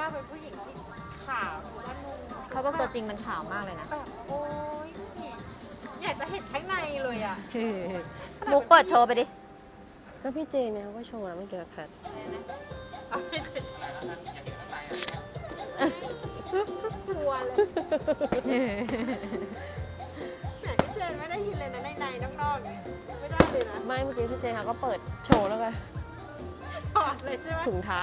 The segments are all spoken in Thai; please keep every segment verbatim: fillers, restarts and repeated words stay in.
ากเป็นผู้หญิงที่ขาวหรือว่านุ่มเขาบอกตัวจริงมันขาวมากเลยนะแบบโอ๊ยอยากจะเห็นข้างในเลยอ่ะมุกเปิดโชว์ไปดิก็พี่เจเนี่ยก็โชว์แล้วไม่เกี่ยวกับแพทกลัวเลยแต่พี่เจนไม่ได้ยินเลยนะในในนอกๆเนี่ยไม่ได้เลยนะไม่เมื่อกี้พี่เจเขาก็เปิดโชว์แล้วไงถอดเลยใช่ไหมถุงเท้า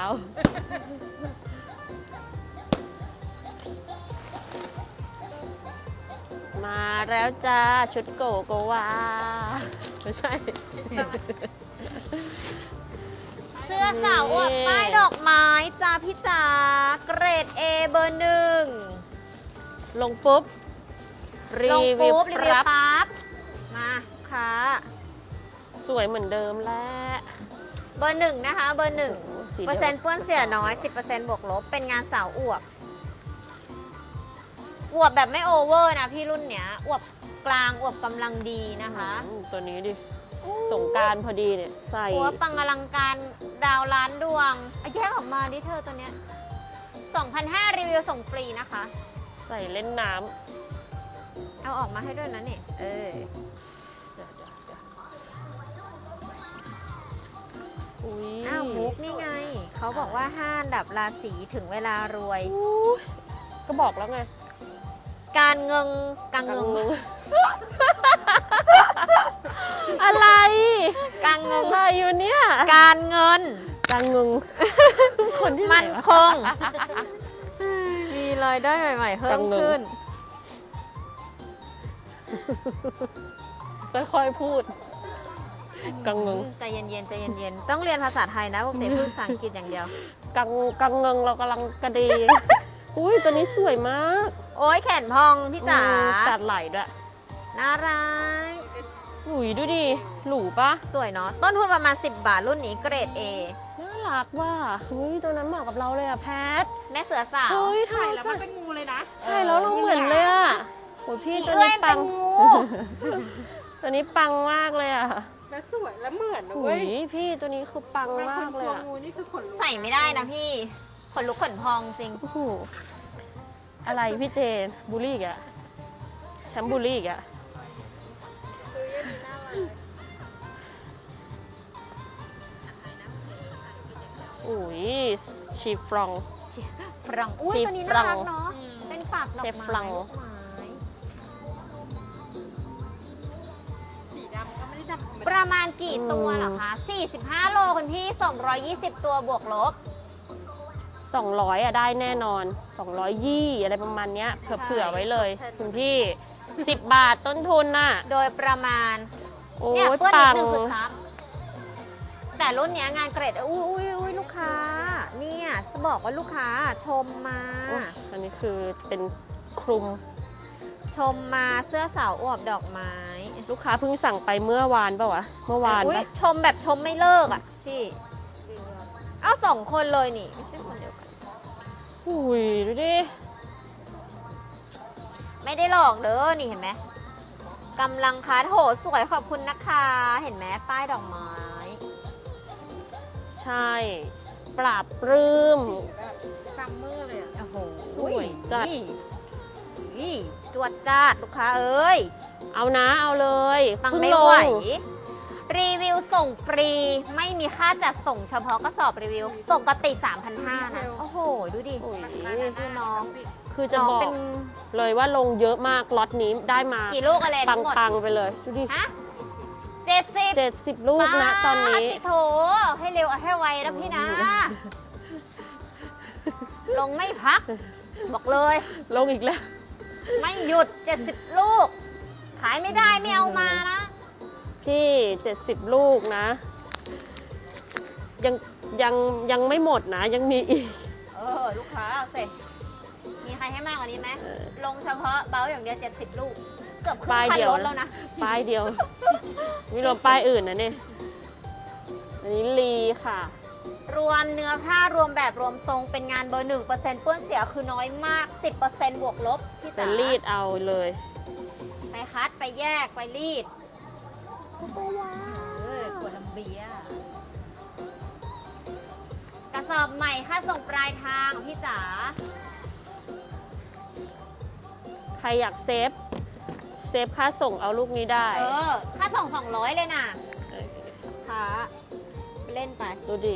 มาแล้วจ้าชุดโกโกวาไม่ใช่เสื้อสาวอวดป้ายดอกไม้จ้าพี่จ๋าเกรด A เบอร์หนึ่งลงปุ๊บ รีลงวิวปุ๊บรีวิวปั๊บปั๊บ มาค่ะสวยเหมือนเดิมแล้วเบอร์หนึ่งนะคะ เบอร์หนึ่งโอ้โหสีเปอเดีร์ยวเซ็นต์เปื้อนเสียน้อย สิบเปอร์เซ็นต์บวกลบ เป็นงานสาวอวบ อวบแบบไม่โอเวอร์นะพี่รุ่นเนี้ย อวบกลาง อวบกำลังดีนะคะอืมตัวนี้ดิ สงกรารพอดีเนี่ย ใส่หัวปังอลังการดาวล้านดวงอ่ะแยกออกมาดิเธอตัวเนี้ยสองพันห้าร้อยรีวิวส่งฟรีนะคะใส่เล่นน้เอาออกมาให้ด้วยนะเนี่ยเออำเดี๋ยวเดี๋ยวเดี๋ยวอุ้ยอ้าวมุกนี่ไง เขาบอกว่าห้าอันดับราศีถึงเวลารวยอุ๊ยก็บอกแล้วไงการเงิงการกังเงิงงอะไรการเงิงอะไรอยู่เนี่ยการเงินกังงงคนที่ไหนมันวะคง มีรายได้ใหม่ๆเพิ่กัมงเงิงขึ้นค่อยๆพูด กังงงใจเย็นๆใจเย็นๆ ต้องเรียนภาษาไทยนะปกติพูดภาษาอังกฤษอย่างเดียวกังกังเงิงเรากำลังกระเดงอุ้ยตัวนี้สวยมากโอ้ยแขนพองพี่จ๋าอืมจัดไหลด้วยน่ารักอุ้ยดูดิ หรูปะสวยเนาะ ต้นทุนประมาณ สิบบาทรุ่นนี้เกรด A น่ารักว่ะอุ้ยตัวนั้นเหมาะกับเราเลยอะแพทแม่เสือสาวเฮ้ยใส่ทำไมแล้วใส่มันเป็นงูเลยนะใช่แล้วเราเหมือนเลยอะโอ้ยพี่อีตัวเอ้นี้ยปัเป็นงงูตัวนี้ปังมากเลยอะแล้วสวยแล้วเหมือนนะอุ้เว้ยยพี่ตัวนี้คือปังไม่มาคนกกเลลัยว อะงูนี่คือขนลุกใส่ไม่ได้นะพี่ ขนลุกขนพองจริงโอ้โหอะไรพี่เจนบูลลี่อีกอะแชมป์บูลลี่อีกอะคืออันนี้น่ารักอุ้ยชีฟรองฝรั่งอุ้ยชีตัวนี้ฝรั่น่าง รักเนาะ เป็นปากดอกเชฟไม้ฝรั่งลูกไม้สีดำก็ไม่ได้ดำธรรมปดาระมาณกี่ตัวเหรอคะ สี่สิบห้า โลคุณพี่ สองร้อยยี่สิบ ตัวบวกลบสองร้อยอะได้แน่นอนสองร้อยยี่อะไรประมาณเนี้ยเผื่อๆไว้เลยคุณพี่สิบบาทต้นทุนน่ะโดยประมาณโอ้เนี่ยยเพื่อนนิปัดงนึงคือซับแต่รุ่นเนี้ยงานเกรดอุ้ยอุ้ยอุ้ยลูกค้า เนี่ยจะบอกว่าลูกค้าชมมาโอ้ยอันนี้คือเป็นคลุมชมมาเสื้อสาวอวบดอกไม้ลูกค้าเพิ่งสั่งไปเมื่อวานป่าวะเมื่อวานอุ้ยปะชมแบบชมไม่เลิกอ่ะพี่เอาสองคนเลยนี่ ไม่ใช่คนเดียวกันอุ้ยดูดิไม่ได้หลอกเด้อนี่เห็นไหมกำลังคัดโหสวยขอบคุณนะคะเห็นไหมป้ายดอกไม้ใช่ปราบปลื้มแบบซัมเมอร์เลยอ่ะโอ้โหสวยจัดนี่จวดจ้าดลูกค้าเอ้ยเอานะเอาเลยฟังเพิ่งไม่ลไหวงรีวิวส่งฟรี ไม่มีค่าจัดส่งเฉพาะกระสอบรีวิว ปกติ สามพันห้าร้อย นะ โอ้โห ดูดิอุ้ยดูน้องคือจะน้องบอกเป็นเลยว่าลงเยอะมากล็อตนี้ได้มากี่ลูกอะไรปัทั้งหมดงๆไปเลยดูดิฮะเจ็ดสิบเจ็ดสิบลูกนะตอนนี้ติโถให้เร็วเอาให้ไวนะพี่นะ ลงไม่พัก บอกเลยลงอีกแล้วไม่หยุด เจ็ดสิบ ลูก ขายไม่ได้ไม่เอามานะที่เจ็ดสิบลูกนะ ยังยังยังไม่หมดนะ ยังมีอีกเออ ลูกค้าเอาเสร็จ มีใครให้มากกว่านี้ไหม ลงเฉพาะเบลอย่างเดียว เจ็ดสิบ ลูก เกือบครึ่งป้ายคันเดียวรถแล้วนะป้ายเดียวไม่รวมป้ายอื่นนะเนี่ยอันนี้ลีค่ะรวมเนื้อผ้ารวมแบบรวมทรงเป็นงานเบอร์หนึ่งเปอร์เซ็นต์เปื้อนเสียคือน้อยมาก สิบเปอร์เซ็นต์บวกลบพี่แต่จ๋ารีดเอาเลยไปคัดไปแยกไปรีดเออขวดลำเบียร์กระระสอบใหม่ค่าส่งปลายทางพี่จ๋าใครอยากเซฟ เซฟค่าส่งเอาลูกนี้ได้เออ ค่าส่งสองร้อยเลยนะค่ะไปเล่นไปดูดิ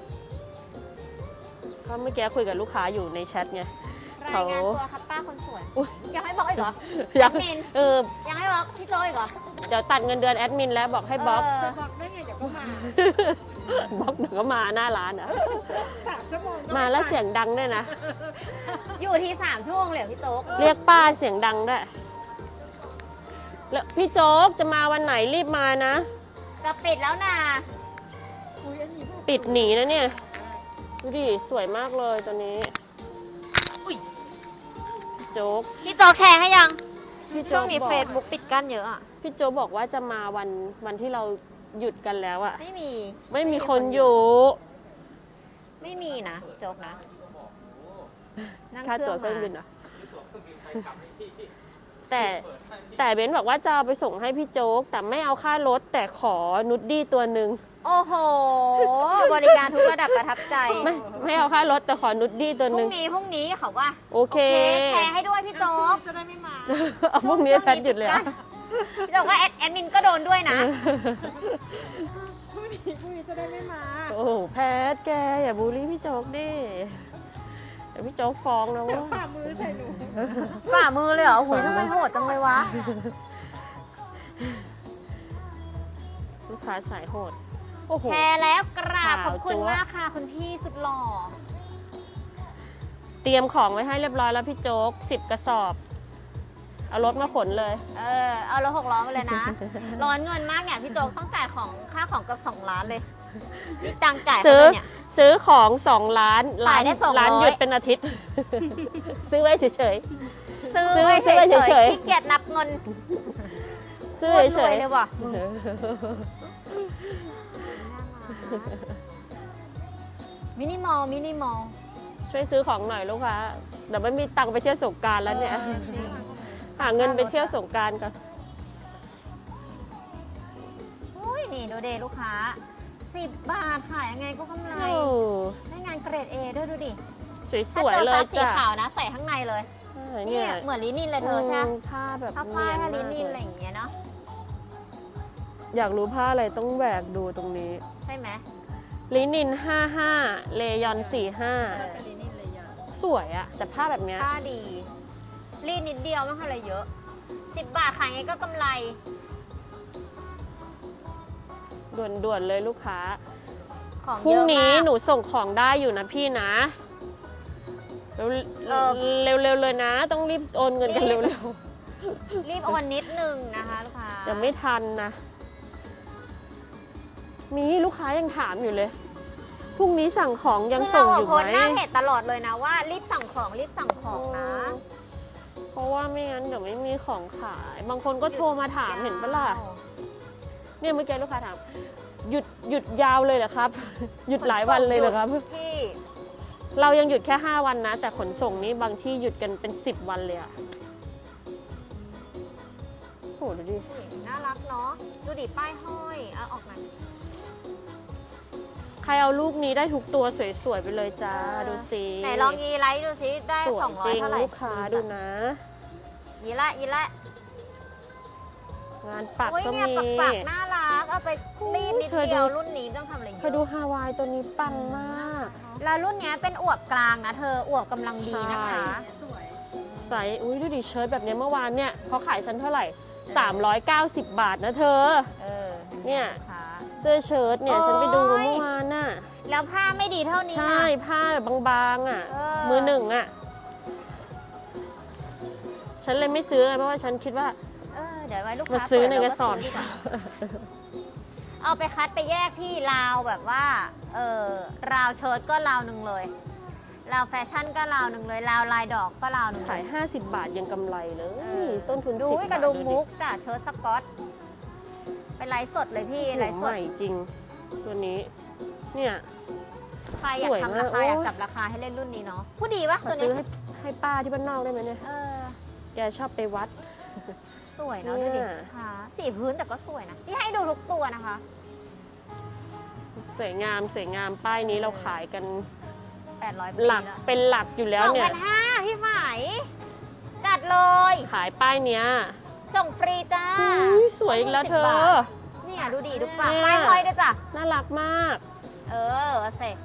ก็เมื่อกี้คุยกับลูกค้าอยู่ในแชทไงรายเขางานตัวครับป้าคนสวยอุ๊ยยังให้บอกอีกเหรอยังแอดมินเออยังให้บอกพี่โจอีกเหรอเดี๋ยวตัดเงินเดือนแอดมินแล้วบอกให้บล็อกเอจะอบอกได้ไงเดี๋ยวก็มาบล็อกเดี๋ยวก็มาหน้าร้านอ่ะสามชั่วโมงก็มาแล้วเสียงดังด้วยนะอยู่ที่สามชั่วโมงเลยเหรอพี่โจ๊กเรียกป้าเสียงดังด้วยแล้วพี่โจ๊กจะมาวันไหนรีบมานะจะปิดแล้วนะอุ๊ยอันนี้ปิดหนีนะเนี่ย ดูดิ สวยมากเลยตัวนี้โจ๊กพี่โจ๊กแชร์ให้ยังพี่ช่โจ๊วงกนี้บอกเฟซบุ๊กปิดกั้นเยอะอ่ะพี่โจ๊กบอกว่าจะมาวันวันที่เราหยุดกันแล้วอะไม่มีไม่มีคนอยู่ไม่มีนะโจ๊กนะนั่งค่าเครื่ตั๋อวงเครื่องบินมาเหรอแต่แต่เบนซ์บอกว่าจะเอาไปส่งให้พี่โจ๊ก แต่ไม่เอาค่ารถแต่ขอนุดดี้ตัวหนึ่งโอ้โห บริการทุกระดับประทับใจไม่ไม่เอาค่ารถแต่ขอนุดดี้ตัวพหรุ่นึ่งงนี้พรุ่งนี้เขาว่าโอเคแชร์ให้ด้วยพี่โจ๊กจะได้ไม่มาเอาพวกนี้แพทหยุดเลยอะพี่โจ๊กว่าแอดแอดมินก็โดนด้วยนะพรุ่งนี้พรุ่งนี้จะได้ไม่มาโอ้โหแพทแกอย่าบูลลี่พี่โจ๊กดิเดี๋ยวพี่โจ๊กฟ้องนะว่าฝ่ามือใส่หนูฝ่ามือเลยเหรอหุยทำไมโหดจังเลยวะลูกค้าสายโหดโอ้โหแชร์แล้วกราบขาวขอบคุณจั๊วมากค่ะคุณพี่สุดหล่อเตรียมของไว้ให้เรียบร้อยแล้วพี่โจ๊กสิบกระสอบ เอารถมาขนเลยเออ เอารถหกล้อมาเลยนะ ร้อนเงินมากเนี่ยพี่โจ๊กต้องจ่ายของค่าของกับสองล้านเลยนี่ตังค์จ่ายเขาซื้อเลยเนี่ยซื้อของสองล้านขายได้สองร้อยร้านหยุดเป็นอาทิตย์ ซื้อไว้เฉยซื้อซื้อไว้ซื้อไว้เฉเฉยยๆขี้เกียจนับเงินๆซื้อโคตรเฉรวยยเลยว่ะ มินิมอลมินิมอลๆช่วยซื้อของหน่อยลูกค้าเดี๋ยวไม่มีตังค์ไปเที่ยวสงกรารแล้วเนี่ย หาเงินไปเที่ยวสงกรารกันอุ้ยนี่ดูเดลูกค้าสิบบาทขายยังไงก็กำไรโอ้ได้งานเกรด A ด้วยดูดิสวยๆเลถ้าเจอซับสียจ้ะขาวนะใส่ข้างในเลยใช่นี่เนี่ยเหมือนลินินเลยเธอใช่ไหมมผ้าแบบผ้าฝ้ายผ้าลิเนีนิยนนอะไรมากอย่างเงี้ยเนาะอยากรู้ผ้าอะไรต้องแหวกดูตรงนี้ใช่ไหมลินินห้าห้าเลยอนสี่ห้าเออลินินเลยอ่ะสวยอะแต่ผ้าแบบเนี้ยผ้าดี รีดนิดเดียวไม่ค่อยอะไรเยอะสิบบาทขายไงก็กำไรด่วนๆเลยลูกค้าของพรุ่เยงอะนี้มากหนูส่งของได้อยู่นะพี่นะ เร็วเออเร็วๆเลยนะ ต้องรีบโอนเงินกันรีบเร็วรีบโอนนิดนึงนะคะลูกค้าๆจะไม่ทันนะ มีลูกค้ายังถามอยู่เลย พรุ่งนี้สั่งของยังคือส่เรางออะยู่โพสไหมต์หน้าเพจตลอดเลยนะว่ารีบสั่งของรีบสั่งของนะเพราะว่าไม่งั้นเดี๋ยวไม่มีของขาย บางคนก็โทรมาถามเห็นปะล่ะ เนี่ยเมื่อกี้ลูกค้าถาม หยุดหยุดยาวเลยเหรอครับ หยุดหลายวันเลยเหรอครับพี่เรายังหยุดแค่ห้าวันนะ แต่ขนส่งนี้บางที่หยุดกันเป็นสิบวันเลยอะโหดูดิน่ารักเนาะดูดิป้ายห้อยเอาออกมาใครเอาลูกนี้ได้ทุกตัวสวยๆไปเลยจ้าเออดูสิไหนลองยีไลท์ดูซิได้สวยสองร้อจยริงเท่าไหร่ลูกค้าดูนะยีละยีละงานปักโอ้ยก็เนี่ยมีปักปักๆน่ารักเอาไปรีดนิดเธอดูเดียวรุ่นนี้ไม่ต้องทำอะไรเยเธอดูอะฮาวายตัวนี้ปังมากแล้วรุ่นเนี้ยเป็นอวบกลางนะเธออวบกำลังดีนะคะสวยใส่อุ้ยดูดิเชิ้ตแบบนี้เมื่อวานเนี่ยเขาขายฉันเท่าไหร่ สามร้อยเก้าสิบ บาทนะเธอเออเนี่ยค่ะเสื้อเชิ้ตเนี่ยโอ้ยฉันไปดูเมื่อวานน่ะแล้วผ้าไม่ดีเท่านี้ใช่นะผ้าแบบบางๆอ่ะเออมือหนึ่งอ่ะ ฉันเลยไม่ซื้อไงเพราะว่าฉันคิดว่าเออเดี๋ยวไว้ลูกมาค้าซื้อเปิดในกระสอบเาก็ซื้ดีว่าเอาไปคัดไปแยกที่ราวแบบว่าเออราวเชิ้ตก็ราวหนึ่งเลยราวแฟชั่นก็ราวหนึ่งเลยราวลายดอกก็ราวหนึ่งเลขายยห้าสิบบาทยังกำไรเลยเออต้นทุนดูสิบกบาระทดุมดิมุกจ้ะเชิ้ตสก๊อตไปไลฟ์สดเลยพี่ไลฟ์ใหสดม่จริง ตัวนี้ เนี่ยใครอยากสวยทำมาราก คาอยากโอ้ยจับราคาให้เล่นรุ่นนี้เนาะผู้ดีปะขอตัวซื้นี้อให้ให้ป้าที่บ้านนอกได้ไหมเนี่ยเออแกชอบไปวัดสวยเนาะเนี่ดูยดิค่ะสีพื้นแต่ก็สวยนะพี่ให้ดูทุกตัวนะคะสวยงามสวยงามป้ายนี้เราขายกันแปดร้อยหลักเป็นหลักอยู่แล้วสองเนี่ยพันห้าพี่ฝ่ายจัดเลยขายป้ายเนี้ยส่งฟรีจ้าอุ๊ยสวยอีกแล้วเธสิบบาอท เนี่ยดูดีดูปากเนี่ยป้ายห้อยด้วยจ้ะน่ารักมากเออเสร็จ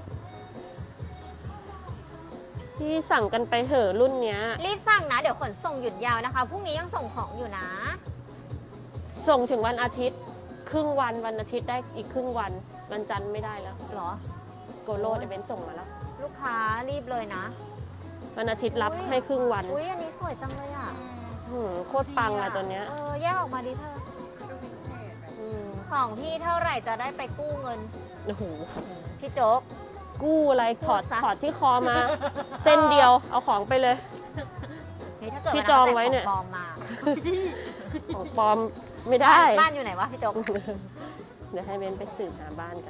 ที่สั่งกันไปเถอะรุ่นเนี้ยรีบสั่งนะ เดี๋ยวขนส่งหยุดยาวนะคะ พรุ่งนี้ยังส่งของอยู่นะส่งถึงวันอาทิตย์ ครึ่งวันวันอาทิตย์ได้อีกครึ่งวัน วันจันทร์ไม่ได้แล้วเหรอโกโลดเวนส่งมาแล้วลูกค้ารีบเลยนะวันอาทิตย์รับอุ๊ยให้ครึ่งวันอุ้ยอันนี้สวยจังเลยอ่ะหืมโคตรปังอะตัวเนี้ยเออ แยกออกมาดิเธออืมของพี่เท่าไหร่จะได้ไปกู้เงินโอ้โหพี่โจ๊กกู้อะไรถอดกู้ซะถอดที่คอมา เส้นเดียวเอาของไปเลยนี่ถ้าเกิดพี่ว่าจองราไว้เนี่ยใส่ของปลอมมาของปลอมไม่ได้บ้านอยู่ไหนวะพี่โจ๊กเดี๋ยวให้เบนไปสืบหาบ้านกัน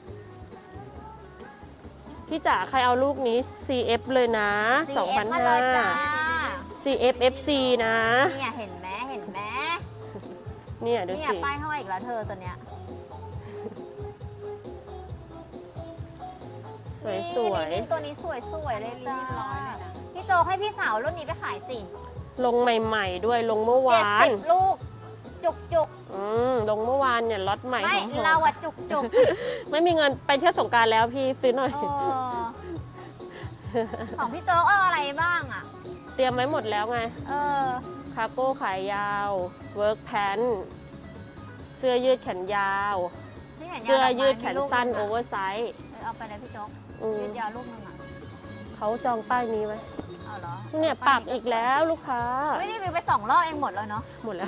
พี่จ๋าใครเอาลูกนี้ ซี เอฟ เลยนะซี เอฟ มาเลยจ้าซี เอฟ เอฟ ซี นะเนี่ยเห็นไหมเห็นไหมเนี่ยดูเนี่ยสิป้ายห้อยอีกแล้วเธอตัวเนี้ยสวยสวยนี่ตัวนี้สวยสวยๆเลยจ้าพี่โจกให้พี่สาวรุ่นนี้ไปขายสิลงใหม่ๆด้วยลงเมื่อเจ็ดวาสินบลูก จุกจุกอืมลงเมื่อวานเนี่ยล็อตใหม่ๆไม่ของผมเราอะจุกจุกไม่มีเงินไปเที่ยวสงกรารแล้วพี่ซื้อหน่อยเออของพี่โจ๊กเอาอะไรบ้างอะเตรียมไว้หมดแล้วไงเออคาร์โก้ขายยาว เวิร์กแพนเสื้อยืดแขนยาวที่เห็นยาวเสื้อดอกไม้ยืดแขนสั้นมีโอลูกเวนึอง ร์ไซส์อะเออเอาไปเลยพี่โจ๊กอืมยืดยาวลูกนึงอะเขาจองป้ายนี้ไว้เอาเหรอเนี่ยปักอีกแล้วลูกค้าไม่ได้รีวิวไปสองรอบเองหมดแล้วเนาะหมดแล้ว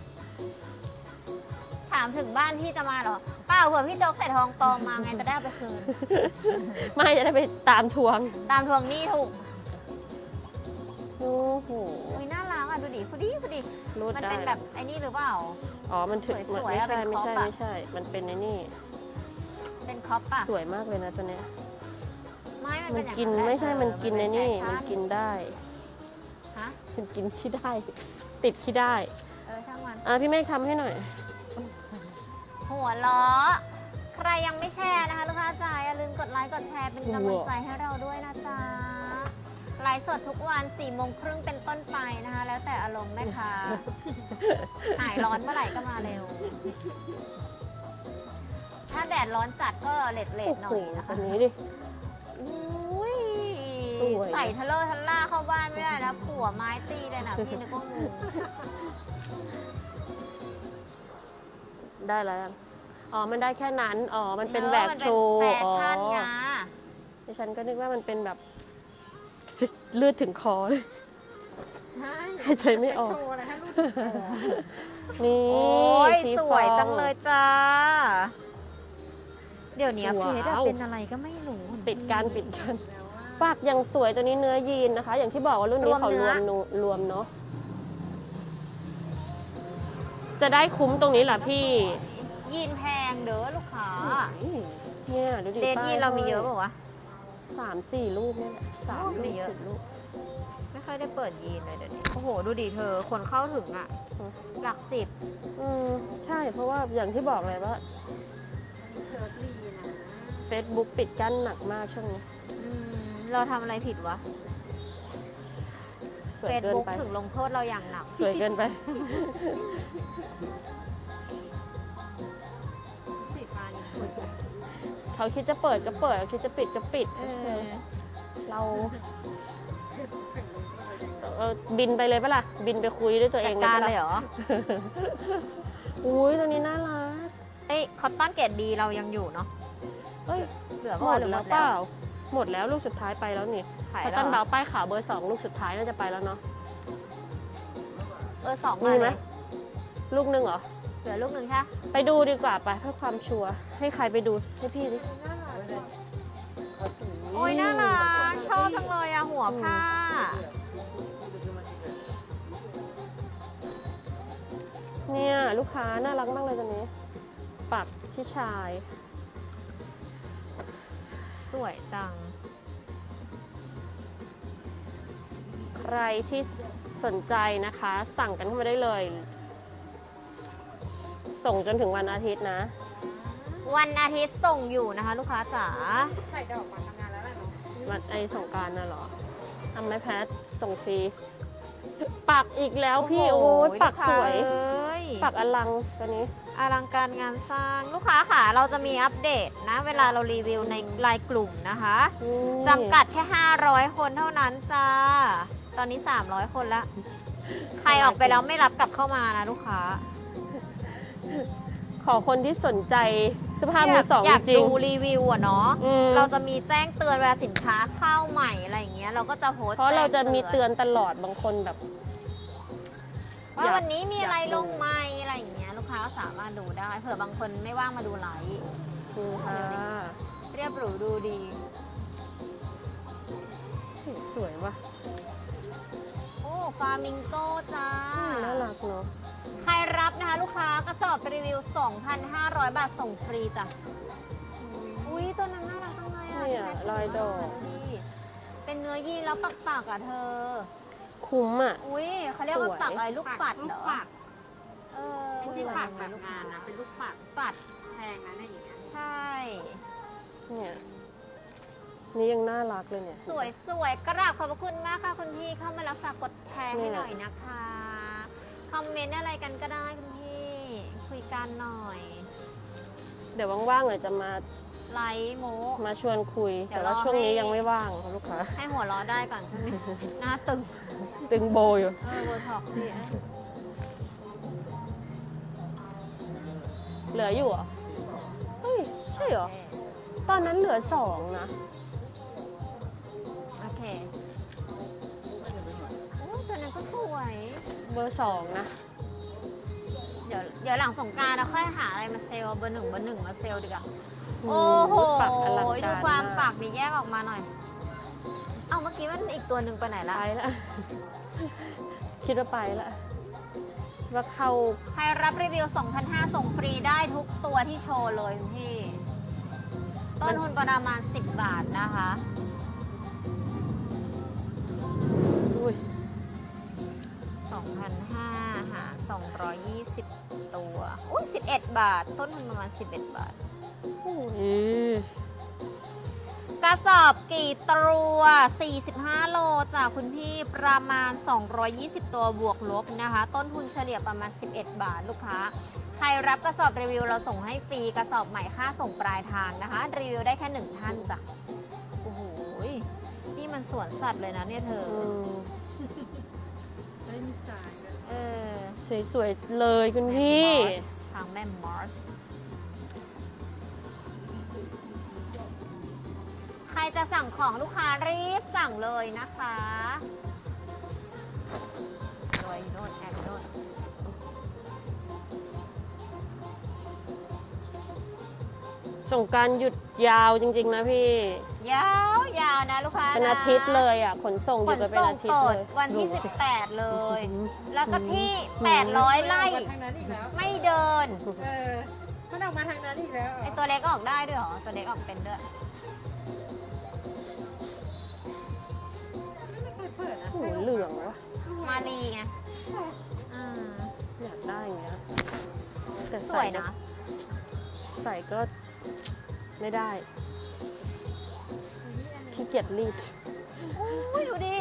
ถามถึงบ้านพี่จะมาเหรอเปล่าเผื่อพี่โจ๊กใส่ทองปลอมมาไงจะได้เอาไปคืนไม่จะได้ไปตามทวงตามทวงหนี้ถูกโอ้โหอุ้ยน่ารักอ่ะดูดิพอดีพอดีรูดมันได้เป็นแบบไอ้นี่หรือเปล่าอ๋อมันถึงสวยๆไม่อะใช่เป็นไม่ใช่ครอปอะไม่ใช่ มันเป็นในนี่เป็นครอปป่ะสวยมากเลยนะตัวเนี้ยไม่มันมัเป็น นอย่างกินแหละไม่ใช่เออมันกินในนี่เป็มันแฟชั่กินได้ฮะมันกินขี้ได้ ติดขี้ได้เออช่างมันอ่ะพี่เมฆทำให้หน่อยหัวล้อ ใครยังไม่แชร์นะคะลูกค้าจ๋าอย่าลืมกดไลค์กดแชร์เป็นกำลังใจให้เราด้วยนะจ๊ะไลฟ์สดทุกวัน4ี่โมงครึ่งเป็นต้นไปนะคะ แล้วแต่อารมณ์แม่ค้า หายร้อนเมื่อไหร่ก็มาเร็ว ถ้าแดดร้อนจัดก็เลดเลดๆหน่อยนะตัคะวนี้ดิอุ้ยสวยใส่ทะเลอร์ทันล่าเข้าบ้านไม่ได้นะผัวไม้ตีเลยนะพี่นึกว่างูได้แล้วยังอ๋อ มันได้แค่นั้น อ๋อ มันเป็นออแหวกมันโชเป็นว์แฟชั่นไงอ๋อดิฉันก็นึกว่ามันเป็นแบบ เลือดถึงคอเลยไม่หายใจไม่ออกโชว์อะไรให้ลูกโอ้นี่โอ้ยสีสฟวยองจังเลยจ้า เดี๋ยวนี้ว้าวเฟซอะเป็นอะไรก็ไม่รู้ปิดกันปิดกันปากยังสวยตัวนี้เนื้อยีนนะคะ อย่างที่บอกว่ารุ่นนี้เขารวมนูรวมเนาะ จะได้คุ้มตรงนี้แหละพี่ยีนแพงเด้อลูกค้าเนี่ยดูดิเดทป้ยีนเรามีเยอะเปล่าวะสามสี่ลูกเนี่ยแหละสามโอ้ลูไม่กเยอะสิบลูกไม่ค่อยได้เปิดยีนเลยเดี๋ยวนี้ โอ้โห ดูดิเธอ คนเข้าถึงอะอืมหลักสิบอืมใช่เพราะว่าอย่างที่บอกเลยว่ามีเชิร์ตลีนะ Facebook ปิดกั้นหนักมากช่วงนี้อืมเราทำอะไรผิดวะสวยเฟซเกินบุ๊กไปถึงลงโทษเราอย่างหนักสวยเกินไปสีฟ้านี่สวยเขาคิดจะเปิดก็เปิดเขาคิดจะปิดก็ปิดเออเราเออบินไปเลยปะล่ะ บินไปคุยด้วยตัวเอจัดงการปะเลยเหรออุ้ยตัวนี้น่ารักเอ้ยคอตตอนเกรดดีเรายังอยู่เนาะเอ้ยเหลือหพมอดหรือหมแล้วดเปแล้วล่าหมดแล้วลูกสุดท้ายไปแล้วนี่ขายคอแล้ตัวน เหรเบาอป้ายขาวเบอร์สองลูกสุดท้ายน่าจะไปแล้วเนาะเออสองมีมาไหมเลยลูกหนึงเหรอเหลือลูกหนึ่งใช่ปะไปดูดีกว่าไปเพื่อความชัวร์ให้ใครไปดูให้พี่ดิน่ารักเลยโอ้ยน่ารักชอบจังเลยอะหัวผ้าเนี่ยลูกค้าน่ารักมากเลยตัวนี้ ปักที่ชายสวยจังใครที่สนใจนะคะ สั่งกันเข้ามาได้เลย ส่งจนถึงวันอาทิตย์นะวันอาทิตย์ส่งอยู่นะคะ ลูกค้าจ๋าใส่ดอกมาทำงานแล้วแหละเนาะวันไอสงกรารน่ะเหรอทำไหมแพทส่งฟรีปักอีกแล้วพี่โอ้ยปักสวยลูกค้าเอ้ยปักอลังตัวนี้อลังการงานสร้างลูกค้าค่ะ เราจะมีอัปเดตนะ เวลาเรารีวิวในไลน์กลุ่มนะคะจำกัดแค่ ห้าร้อย คนเท่านั้นจ้า ตอนนี้ สามร้อย คนแล้ว ใครออกไปแล้วไม่รับกลับเข้ามานะลูกค้าขอคนที่สนใจเสื้อผ้ามือสองอยากจริงดูรีวิวอะเนาะอืมเราจะมีแจ้งเตือนเวลาสินค้าเข้าใหม่อะไรอย่างเงี้ยเราก็จะโพสต์เพราะเราจะมีแจ้งเตือนตลอดบางคนแบบว่าวันนี้มีอะไรอยากดูลงใหม่อะไรอย่างเงี้ยลูกค้าก็สามารถดูได้เผื่อบางคนไม่ว่างมาดูไลฟ์นี่ค่ะเรียบหรูดูดีสวยว่ะโอ้ฟามิงโกจ้าน่ารักเนาะใครรับนะคะลูกค้ากระสอบรีวิว สองพันห้าร้อย บาทส่งฟรีจ้ะ อุ้ยตัวนั้นน่ารักจังเลยอ่ะเนี่ยแพ็คลายดอกดูดิเป็นเนื้อยีนแล้วปักๆอ่ะเธอคุ้มอ่ะอุ้ยเขาเรียกว่าสวยปักอะไรลูกปัดเหรลูอกปัดเออไม่ใช่ปัดแบบงานนะ เป็นลูกปัดปัดแพงนะเนี่ยอย่างเงี้ยใช่เนี่ยนี่ยังน่ารักเลยเนี่ยสวยสวยกราบขอบพระคุณมากค่ะคุณพี่เข้ามาแล้วฝากกดแชร์ให้เนี่ยหน่อยนะคะ คอมเมนต์อะไรกันก็ได้คุณพี่คุยกันหน่อยเดี๋ยวว่างๆเดี๋ยวจะมาไลฟ์โมมาชวนคุยเดี๋แต่ยวว่ารอช่วงนี้ให้ยังไม่ว่างค่ะลูกค้าให้หัวเราะได้ก่อนใช่ไหม หน้าตึงตึงโบอยู่เออโบท็อกซ์พี่เหลืออยู่เหรอ เฮ้ย ใช่เหรอ ตอนนั้นเหลือสองนะโอเคโอ้ตัวนั้นก็สวยเบอร์สองนะเดี๋ยวเดี๋ยวหลังสงกรานต์เราค่อยหาอะไรมาเซลล์เบอร์หนึ่งเบอร์หนึ่งมาเซลล์ดีกว่าอืมโอ้โหปักอลังการดูความมากปักมีแยกออกมาหน่อย เอาเมื่อกี้มันอีกตัวหนึ่งไปไหนละไปละ คิดว่าไปละ ว่าเข้าใครรับรีวิว สองพันห้าร้อย ส่งฟรีได้ทุกตัวที่โชว์เลยคุณพี่ ต้นทุนประมาณ สิบบาทนะคะอุ้ยสองพันห้าร้อย หาร สองร้อยยี่สิบ ตัว อุ้ยสิบเอ็ด บาท ต้นทุนประมาณ สิบเอ็ด บาทอุ้ยกระสอบกี่ตัว สี่สิบห้า โลจากคุณพี่ประมาณ สองร้อยยี่สิบ ตัวบวกลบนะคะ ต้นทุนเฉลี่ยประมาณ สิบเอ็ด บาทลูกค้า ใครรับกระสอบรีวิวเราส่งให้ฟรีกระสอบใหม่ค่าส่งปลายทางนะคะ รีวิวได้แค่หนึ่งท่านจ้ะ โอ้โห นี่มันสวนสัตว์เลยนะเนี่ยเธออืมได้มีจ่ายกันเออสวยๆเลยคุณพี่ช้างแม่มอส ใครจะสั่งของลูกค้ารีบสั่งเลยนะคะรวยโน่นแอบโน่นส่งกรารหยุดยาวจริง ๆ นะพี่ยาวยาวนะลูกค้าเป็นอาทิตย์เลยอ่ะ ขนส่งอขยู่นกันเป็นส่งอาทิตย์เปิเลดยวันที่ดูสิสิบแปดเลยอืมแล้วก็ที่ แปดร้อย ไร่มันออกมาทางนั้นอีกแล้วไม่เดินเออ มันออกมาทางนั้นอีกแล้วเหรไออตัวเล็กก็ออกได้ด้วยเหรอ ตัวเล็กออกเป็นด้วยไม่เคยเปิดนะโอ้โหเหลืองวะมาลีไงอ่าอยากได้อย่างเงี้ยแต่สใส่วยก็นะใส่ก็ไม่ได้ขี้เกียจรีดอุ้ยดูดิ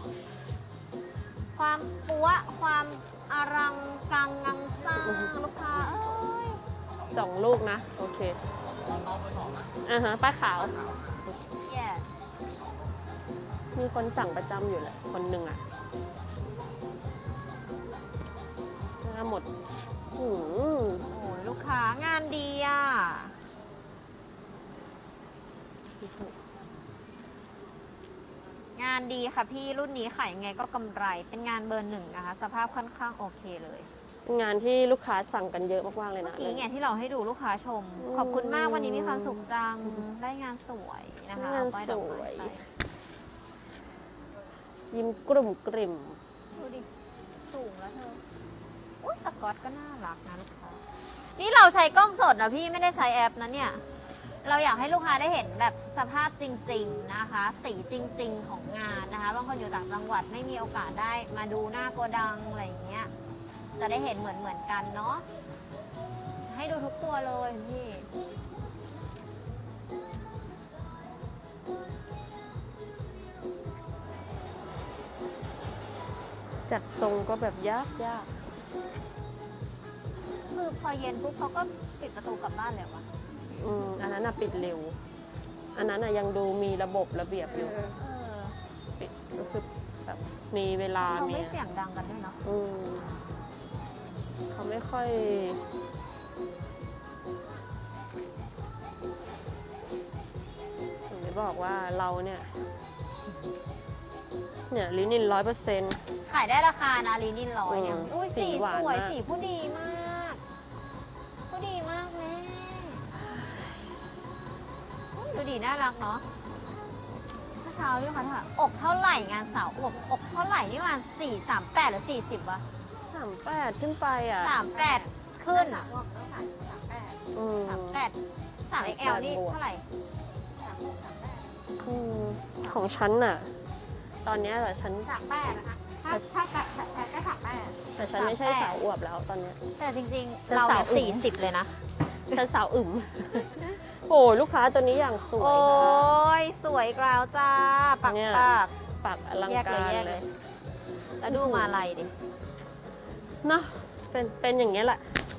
ความปัวความอลังกังงังสร้างลูกค้าเอ้ยสองลูกนะ โอเคอ่าฮะป้าขาว yes มีคนสั่งประจำอยู่แหละ คนหนึ่งอ่ะมาหมดหืมโอ้ยลูกค้างานดีอ่ะ งานดีค่ะพี่รุ่นนี้ขายยังไงก็กำไร เป็นงานเบอร์หนึ่งนะคะ สภาพค่อนข้างโอเคเลยงานที่ลูกค้าสั่งกันเยอะมากๆเลยเมื่นะอกี้ไงที่เราให้ดูลูกค้าชม ขอบคุณมากวันนี้มีความสุขจัง ได้งานสวยนะคะงานเอป้ยสดอกไม้วยไปยิ้มกลุ่มกริ่มดูดิ สูงแล้วเธอ อุ้ยสกอตก็น่ารักนะลูกค้า นี่เราใช้กล้องสดนะพี่ไม่ได้ใช้แอปนะเนี่ย เราอยากให้ลูกค้าได้เห็นแบบสภาพจริง ๆนะคะ สีจริง ๆ ของงานนะคะ บางคนอยู่ต่างจังหวัดไม่มีโอกาสได้มาดูหน้าโกดังอะไรอย่างเงี้ย จะได้เห็นเหมือนเหมือนๆกันเนาะ ให้ดูทุกตัวเลยพี่จัดทรงก็แบบยากยากคือพอเย็นปุ๊บเขาก็ปิดประตูกลับบ้านแล้วอะอืมอันนั้นน่ะปิดเร็ว อันนั้นน่ะยังดูมีระบบระเบียบอยู่เออปิดก็คือแบบมีเวลาเขามีไม่เสียงดังกันด้วยเนาะอืมเขาไม่ค่อยถึงได้บอกว่าเราเนี่ย เนี่ยลินินร้อยเปอร์เซ็นต์ขายได้ราคานะลีนินร้อยเนี่ยอืมอุ้ยสีสีหวานสวยมากสีผู้ดีมากผู้ดีมากแม่ดูดีน่ารักเนาะเมื่อเช้าพี่คะถามอกเท่าไหร่งานสาวอกอกเท่าไหร่นี่มันสี่สามแปดหรือสี่สิบวะสามแปดขึ้นไปอ่ะสามแปดขึ้นสามบอกต้องสามสามแปดอืมสามแปดสามเอ็กแอลนี่เท่าไหร่สามหกสามแปดอืมของฉันน่ะ ตอนเนี้ยแต่ฉันสามแปดนะคะถ้าถ้าแปดแปดก็สามแปดแต่ฉันไม่ใช่สาวอวบแล้วตอนเนี้ยแต่จริงฉัๆนเราเนี่ยสาวอึ๋สี่มสิบเลยนะฉันสาวอึม โอ้ลูกค้าตัวนี้อย่างสวยโอ้ค่ะยสวยกราวจ้า ปักเนี่ยปักปักอลังแยกกาเลยรแยกเลเลย ย แล้วดูมาลายดิเนาะเป็นเป็นอย่างเงี้ยแหละ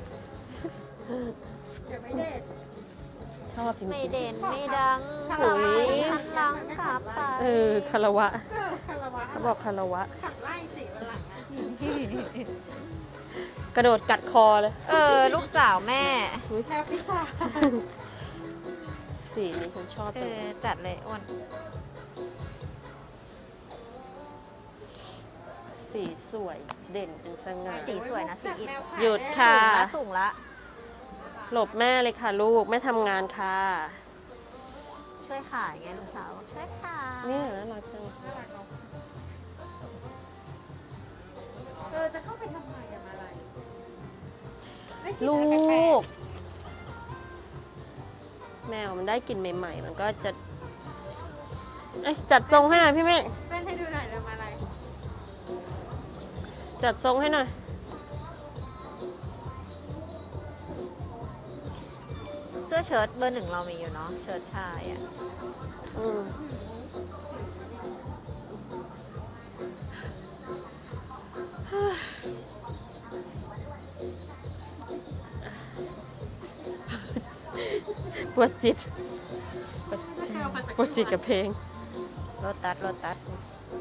เดี๋ยวไม่เด็ดชอบจริงไม่ๆเด่นไม่ดังคาจะราวะไม่หันหลังกลับไปเออคารวะเออคารวะเขาบอกคารวะขับไล่สีวันหลังนะกระโดดกัดคอเลยเออ ลูกสาวแม่แค่พิซซ่าสีนี้ฉันชอบเอจังอ จัดเลยอ้วนสีสวยเด่นเป็นสง่าสีสวยนะสีอิฐหยุดค่ะสูงละสูงละหลบแม่เลยค่ะลูกแม่ทำงานค่ะช่วยขายไงลูกสาว ช่วยขายเนี่ยน่ารักจังน่ารักเนอะเออจะเข้าไปทำไมอะมาอะไรไม่คิดลูอะไรแปลก แมวมันได้กลิ่นใหม่ ๆ มันก็จะ เอ้ยจัดทรงให้หน่อยพี่เมฆๆเต้นให้ดูหน่อยเลยมาอะไรจัดทรงให้หน่อยเสื้อเชิ้ตเบอร์หนึ่งเรามีอยู่เนาะ เชิ้ตชายอ่ะอืมปวดจิตปวดจิตปวดจิตกับเพลงโรตัสโรตัส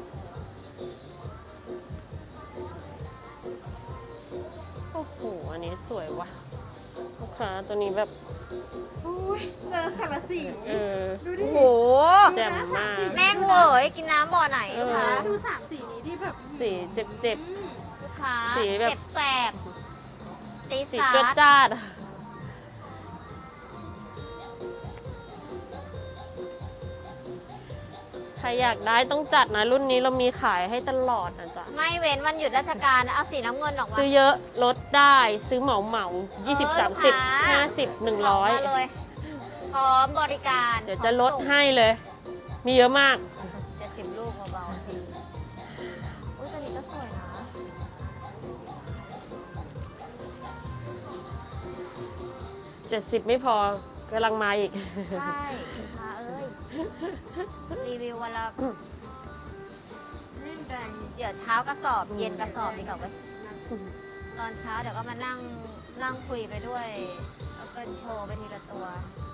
โอ้โห อันนี้สวยว่ะ ลูกค้าตัวนี้แบบอุ้ยเจอคาราสีเออดูดิโอ้โหแจ่มมากแม่งเวยกินน้ำบ่อไหนเออลูกค้าดูสามสีนี้ที่แบบสีเจ็บเจ็บอืมลูกค้าสีแบบเจ็บแสบสีๆสีสาจดดจ้าดอะใครอยากได้ต้องจัดนะ รุ่นนี้เรามีขายให้ตลอดนะจ๊ะไม่เว้นวันหยุดราชการนะเอาสีน้ำเงินออกมาซื้อเยอะลดได้ซื้อเหมาเหมายี่สิบเออสามสิบลูกค้าห้าสิบหนึ่งร้อยมาเลยพร้อมบริการเดี๋ยวจะลดให้เลย มีเยอะมากเจ็ดสิบลูกเบาๆทีอุ้ยตัวนี้ก็สวยนะเจ็ดสิบไม่พอกำลังมาอีกใช่ลูกค้าเอ้ย รีวิววันละนี่แดงเดี๋ยวเช้ากระสอบเย็นกระสอบดีกว่าเว้ยตอนเช้าเดี๋ยวก็มานั่งนั่งคุยไปด้วย แล้วก็โชว์ไปทีละตัว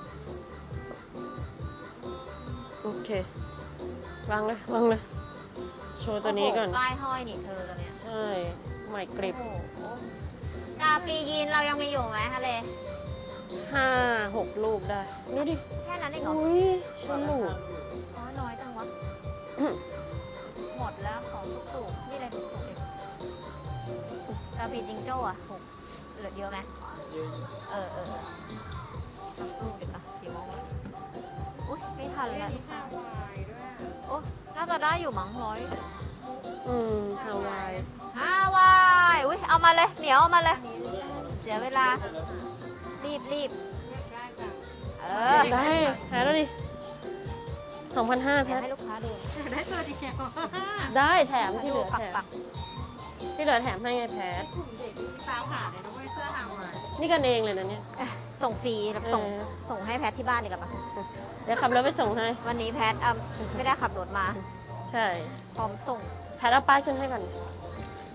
โอเควางเลยวางเลย โชว์ตัวนี้ก่อนโโหป้ายห้อยนี่เธอตัวเนี้ยใช่ ใหม่กริบโอ้โหกาปียีนเรายังมีอยู่ไหมทะเลห้าหกลูกได้ดูดิแค่นั้นเองเหรออุ้ยฉลูกอ๋อน้อยจังวะ หมดแล้วของทุกสูกนี่อะไรทุกสูกเองกาปีจิงโจ้อะหกเหลือเยอะไหมเออเออเออสักครู่เดี๋ยวนะกี่โมงแล้วอุ้ยไม่ทันเรื่อแล้งวนี้ฮาวายด้วยโอ้น่าจะได้อยู่มั้งร้อยอืมฮาวายอ้าวายอุ้ยเอามาเลยเหนียวเอามาเลย เสียเวลา รีบรีบได้จ้ะเออได้แพ้แล้วดิสองพันห้าอยาแพ้กให้ลูกค้าดูได้ตัวเดียวได้แถมที่เหดูลือปักแถปัมกที่เหลือแถมให้ไงแพ้กลุ่มเด็กนี่ตามหาเลยนะเว้ยเสื้อฮาวายนี่กันเองเลยนะเนี่ยส่งฟรีแบบส่งเออส่งให้แพทที่บ้านดีกว่าปะเดี๋ยวขับรถไปส่งให้วันนี้แพทอ่ะไม่ได้ขับรถมาใช่พร้อมส่งแพทเอาป้ายขึ้นให้ก่อน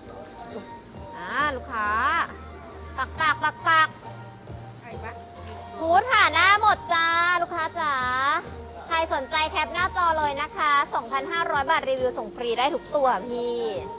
ลูกค้า ปักปักปักปักไอ้ปะฮูดค่ะหน้าหมดจ้า ลูกค้าจ๋า ใครสนใจแคปหน้าจอเลยนะคะ สองพันห้าร้อย บาทรีวิวส่งฟรีได้ทุกตัวพี่